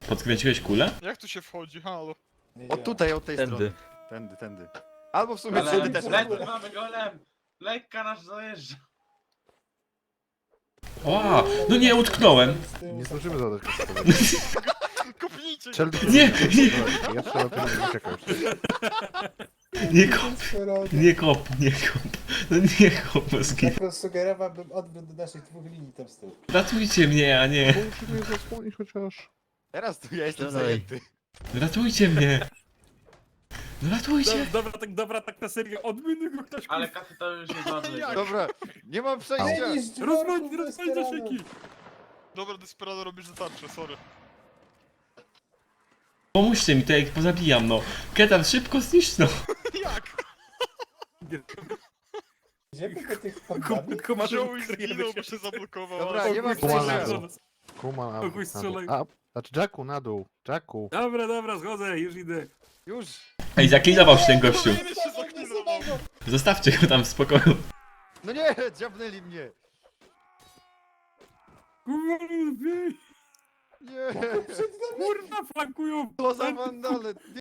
Podkręciłeś kulę? Jak tu się wchodzi, halo? Nie O działa. tutaj, od tej Tędy. strony. Tędy. Albo w sumie Ale tędy też lekko można. mamy golem! Lekka nasz zajeżdża. O, no nie, utknąłem. Nie zdążymy zadać kosztować. Kopnijcie go! Czelny Nie, Ja trzeba to uciekał już. Nie kop, Desperado. nie kop, nie kop. No nie kop, Moski. Tak sugerowałbym odwrót do naszych dwóch linii tam z tyłu. Ratujcie mnie, a nie. Muszę mnie zasłonić chociaż. Teraz tu ja jestem Dalej. zajęty. Ratujcie mnie. No ratujcie. Dobra, tak na serio, odmienię go ktoś. Ale kapitał już jest ważny. Jak? Dobra, nie mam przejścia. Ej, z Rozwal dworków zasieki. Desperado. Dobra, Desperado robisz za tarczę, sorry. Pomóżcie mi, to jak pozabijam, no. Ketan, szybko zniszcz, no. Jak? Idziemy po tych pandami? Wziął i zginął, bo się zablokował. Dobra, ale- nie mam Kuman przejścia. na dół. Kuman, Kogoś strzelaj. Znaczy Jacku na dół. Jacku. Dobra, zgodzę, już idę. Już. Ej, zaklidował się ten gościu. Kolejny się zaklizował. Zostawcie go tam w spokoju. No nie, dziabnęli mnie. Kurwa, Nie. kurwa, flankują. Co za wandale.